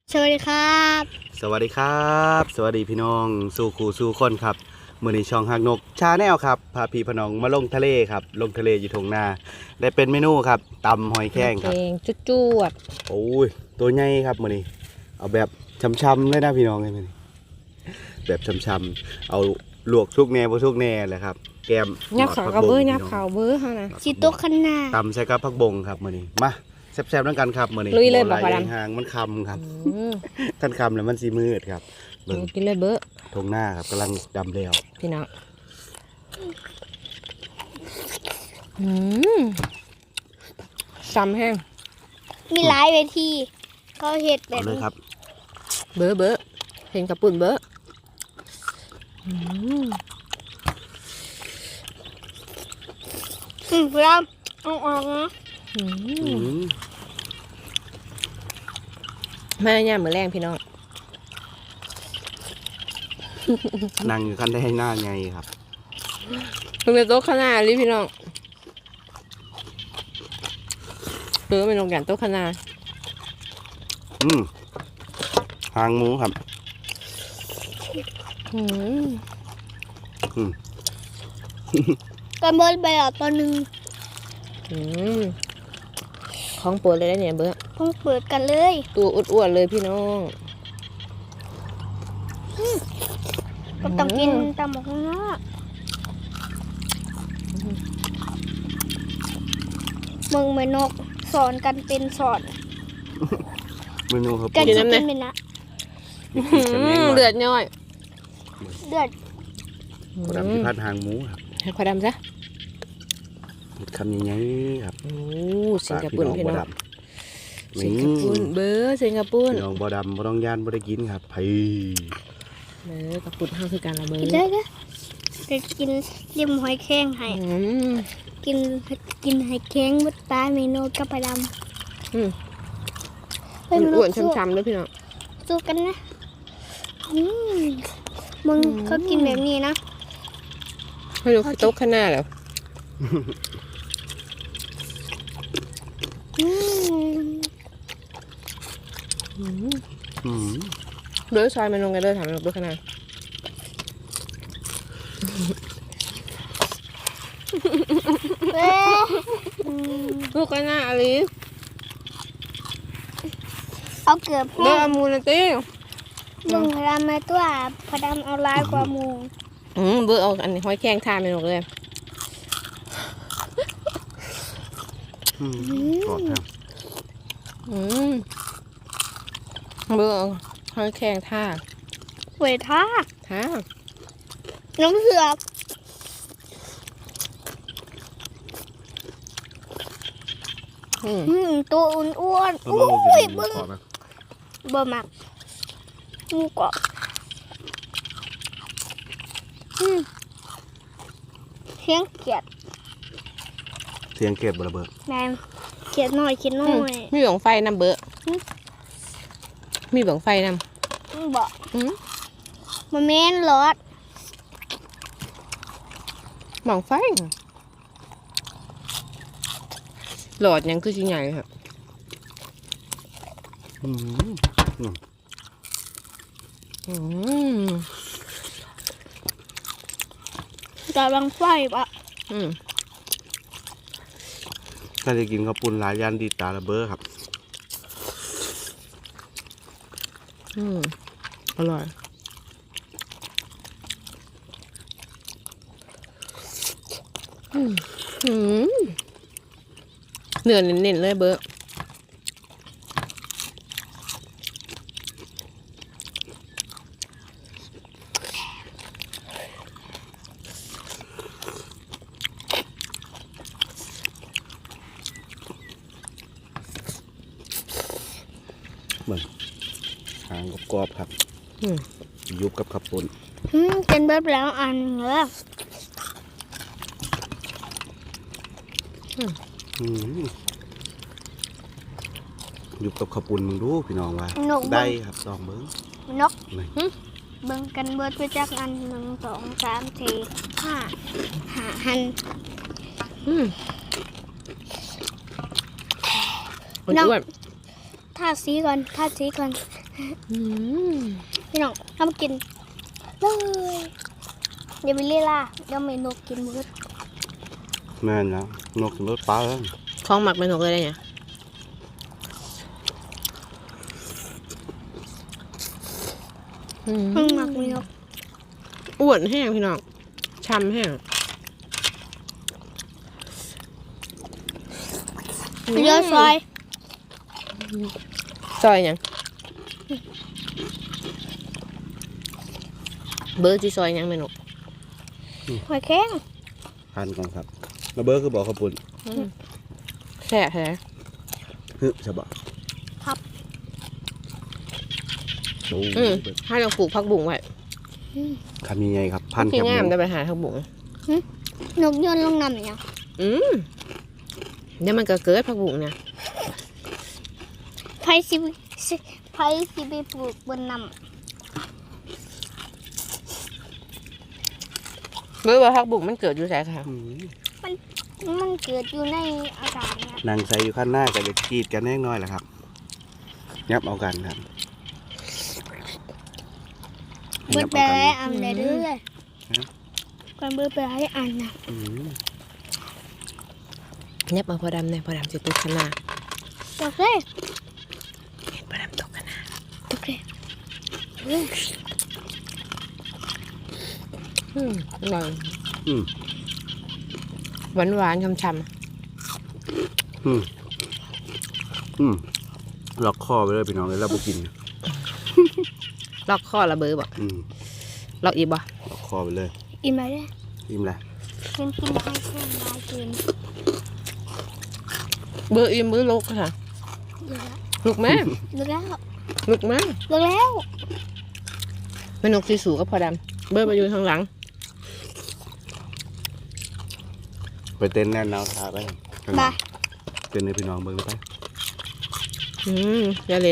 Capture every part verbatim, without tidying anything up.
สวัสดีครับสวัสดีครับสวัสดีพี่น้องสู่คู่สู่คนครับมื้อนี้ช่องฮักนกชาแนลครับพาพี่พน้องมาลงทะเลครับลงทะเลอยู่ทงนาได้เป็นเมนูครับตำหอยแครงครับจุดจวดโอ้ยตัวใหญ่ครับมื้อนี้เอาแบบช้ำๆเลยนะพี่น้องเลยมื้อนี้แบบช้ำๆเอาลวกทุกแน่บ่ทุกแน่แหละครับแกมยับขาวกระเบื้อยับขาวเบื้อฮะนะชิโต๊ะข้างหน้าตำใส่กับผักบงครับมื้อนี้มาแซ่บๆด้วยกันครับมื้อนี้ลุยเลยบอกว่าหางมันคำครับท่านคำแล้วมันสีมืดครับกินเลยเบื้อทงหน้าครับกำลังดำเร็วพี่น้องอืมซ้ำแห้งมีหลายเวทีเขาเห็ดแบบเลยครับเบื้อเบื้อเห็นกระปุ่นเบื้ออืมอืมพี่ดำเอาออกนะแม่ย่ามือแรงพี่น้องนั่งอยู่ขั้นได้ให้หน้าไงครับเพิ่งไปโต๊ะข้างหน้าลิพี่น้องเออไปลงกันโต๊ะข้างหน้าอืมหางหมูครับอืมอืมกันเบิร์ดไปอ่ะตอนหนึ่งอืมของปวดเลยนะเนี่ยเบื้อเพิ่งเปิดกันเลยตัวอ้วนๆเลยพี่น้องก็ต้องกินตามหมกข้างหน้ามึงไม่นกสอนกันเป็นสอนเมนูครับกันจะกินเป็นนะเลือดย่อยเลือดกระดำที่พัดหางหมูครับให้ควาดำซะคำยังไงครับโอ้สิงคโปร์พี่น้องสิงคโปร์เบอร์สิงคโปร์พี่น้องบ่ดำบ่ต้องย่านบ่ได้กินครับไผ่เบอร์กับปุ่นห้าคือการละเบอร์ได้ก็จะกินริมหอยแครงให้กินกินหอยแครงมุดปลาเมนูกับปลาดำอืมเป็นอ้วนช้ำๆด้วยพี่น้องสู้กันนะมึงเขากินแบบนี้นะให้ดูโต๊ะข้างหน้าแล้วเดือดซอยมันลงกันเดือดถามมันลงด้วยขนาดลูกกันหน้าอลิเอาเกือบเดือดมูนตี้มึงพดำมาตัวพดำเอาลายกว่ามูอืมเบอร์เอาอันนี้ห้อยแข้งทานมันลงเลยกรอบครับอืมเบอร์ห้อยแข้งท่าเวท่าท่าน้องเสือกอืมตัวอ้วนๆอุ้ยบึ้งบะหมักงูกรอบเสียงเกียดเสียงเก็บบระเบิดแม่เขียนหน่อยเขียนหน่อยมีบังไฟนำเบอร์มีบังไฟนำบอกมันแม่นรถบังไฟหลอดยังคือชิ้นใหญ่ครับอืมอืมแต่บังไฟปะอืมถ้าจะกินข้าวปุ้นหลายยันดีตาระเบ้อครับอืมอร่อยอืมอืมเนื้อเน้นๆเลยเบอร์เหมือนหางกรอบครับยุบกับขับปุ่นเป็นแบบแล้วอันเหรอยุบกับขับปุ่นมึงดูพี่น้องว่าได้ครับสองเบิ้งนกเบิ้งกันเบิร์ดไปจากอันหนึ่งสองสามสี่ห้าห้าหันน้องทาสีก่อนทาสีก่อนอืมพี่น้องทำกินเลยอย่าไปเล่ล่ะเดี๋ยวเมนูกินมืดแม่นนะนกรถปลาแล้วของหมักเป็นนกเลยเนี่ยอืมห้องหมักเลยครับอ้วนแห้งพี่น้องช้ำแห้งเยอะซอยซอยหยังเบอร์จีซอยหยังเมนูหอยแข้งพันก่อนครับระเบิดคือบอกขาวปุ่นแซ่บแท้ฮึใช่ปะครับโอ้อืมให้เราปลูกผักบุ้งไว้คำยังไงครับพันที่แคบหงามมูได้ไปหาผักบุ้งนกยนต์ลงน้ำเนี่ยอืมเดี๋ยวมันก็เกิดผักบุ้งเนี่ยไผสิสิไผสิไปปลูกบนน้เบอร์ว่าผักบุ้งมันเกิดอยู่ไสค่ะอืมำมันมันเกิดอยู่ในอากาศเนี่ยนางใส่อยู่ข้างหน้าก็จะกรีดกันแน่น้อยแหละครับยับเอากันครับเบิดยับไปเอาให้กันอ่านได้เรื่อยก่อนเบิดไปให้อ่านนะอืมเนี่ยมาพอดำเนี่ยพอดำจะตกขนาดโอเคเห็นพอดำตกขนาดโอเคเรื่องอืมอร่อยอืมหวานหวานๆช่ำอืมอืมล็อกคอไปเลยพี่น้องเลยเราบุกินๆล็อกข้อละเบอร์บอกอืมล็อกอีกบ่ล็อกคอไปเลยอิ่มไหมเนี่ยอิ่มแล้วกินกินให้แค่ลายกินเบอร์อีเบอร์ลกค่ะเยอะแล้วลูกแม่เลิกแล้วลูกแม่เลิกแล้วเป็นนกสีสูกับพอดำเบอร์ไปอยู่ทางหลังไปเต้นแน่นหนาวทาไปบายเต้นให้พี่น้องเบิ่งเลยไปอืมอย่าเล่น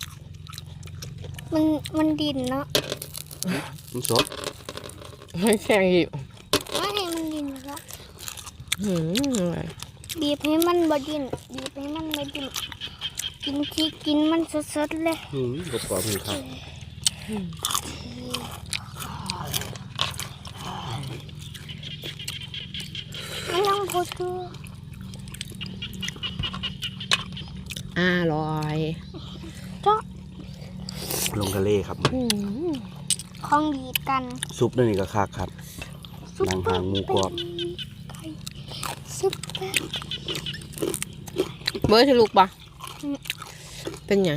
มันมันดินเนาะมันสดให้แข่งอีกไม่ให้มันดินแล้วอืมอร่อยบีบให้มันบดินบีบให้มันบดินกินที่กินมันสดๆเลยอืมกรอบกรอบๆเลยครับไม่ต้องพูดคืออร่อยเจ้าลงทะเลครับอืมของดีกันซุปนั่นนี่ก็คักครับซุปนางหางหมูกรอบไก่ซุปเปอร์เบอร์ที่ลูกปะเป็นหยัง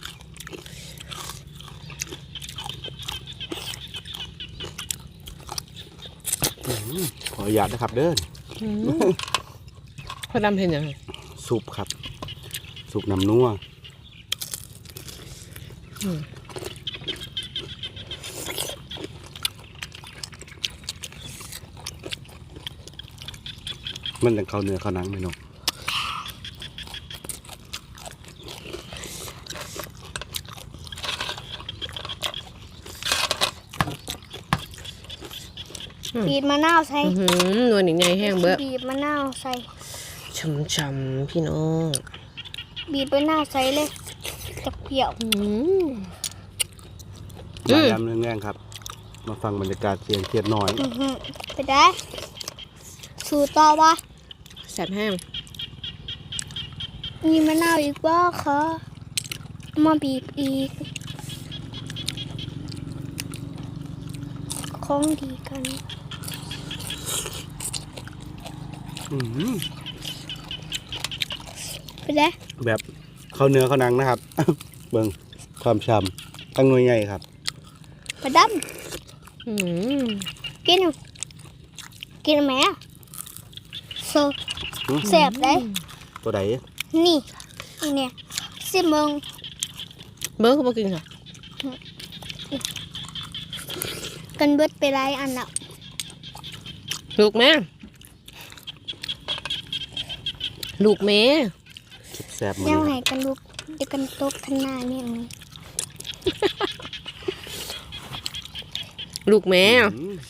อืมขออนุญาตนะครับเด้ออืมพอดำเป็นหยังซุปครับ ซุปน้ำนัวอืมมันจะเข้าเนื้อเข้าหนังไหมนกบีบมะนาวใส่อื้อหือนวลอีกไงแห้งเบอร์บีบมะนาวใส่ช่ำๆพี่น้องบีบมะนาวใส่เลยจะเปรี้ยวอืมมายำเรื่องแง่งครับ มาฟังบรรยากาศเสียงเทียดน้อยอื้อหือไปได้สูตรต่อวะแซ่บแห้งมีมะนาวอีกบ้าคะมาบีบอีกของดีกันอืมไปได้แบบเข้าเนื้อเข้าหนังนะครับ เบิ่งความฉ่ำตั้งหน่วยใหญ่ครับไปดอืมำกินกินไหมอะโซอืมแสบเลยตัวใดนี่อันเนี่ยสิมึงเบอร์ก็บอกินค่ะกันเบิดไปไรอันละลูกแม่ลูกแม่แซ่บๆมันแนวคไหนรับกันลูกเดี๋ยวกันตกข้างหน้าเนี่ยนี่ลูกแม่อืม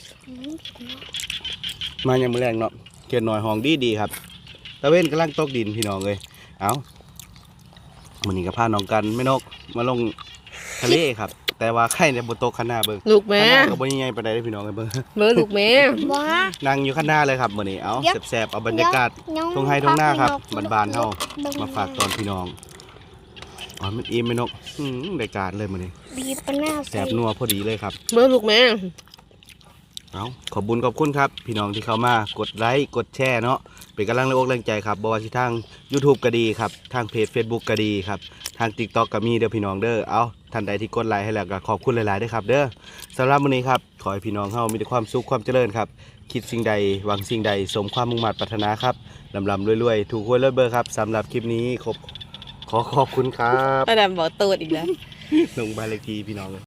มาอย่างมื้อแรงเนาะเกียนหน่อยห้องดีดีๆครับตะเว้นกำลังตกดินพี่น้องเลยเอาวันนี้ก็พาน้องกันไม่นกมาลงทะเลครับ แต่ว่าไข่ในบนโต๊ะข้างหน้าเบิ่งลูกแม่ข้างหน้าก็บ่ใหญ่ปานใดเด้อพี่น้องเอ้ยเบิ่งเบอร์ลูกแม่ว้านั่งอยู่ข้างหน้าเลยครับมื้อนี้เอ้าแซ่บๆเอาบรรยากาศทงไห้ทงหน้าครับบ้านๆเฮามาฝากตอนพี่น้องอ๋อมันอิ่มไหมนกอืมได้การเลยมื้อนี้บีบปะหน้าแซ่บนัวพอดีเลยครับเบอร์ลูกแม่เอาขอบบุญขอบคุณครับ พี่น้องที่เข้ามากดไลค์กดแชร์เนาะเป็นกำลังแรงอกแรงใจครับบอว่าที่ทาง YouTube ก็ดีครับทางเพจ Facebook ก็ดีครับทาง TikTok ก็มีเด้อพี่น้องเด้อเอาท่านใดที่กดไลค์ให้แล้วก็ขอบคุณหลายๆด้วยครับเด้อสำหรับวันนี้ครับขอให้พี่น้องเฮามีแต่ความสุขความเจริญครับคิดสิ่งใดหวังสิ่งใดสมความมุ่งมั่นปรารถนาครับลำลำรวยๆถูกหวยรวยเบอร์ครับสำหรับคลิปนี้ขอบขอขอบคุณครับป้าดำบอกตูดอีกแล้วลงบ้านเลขที่พี่น้องเลย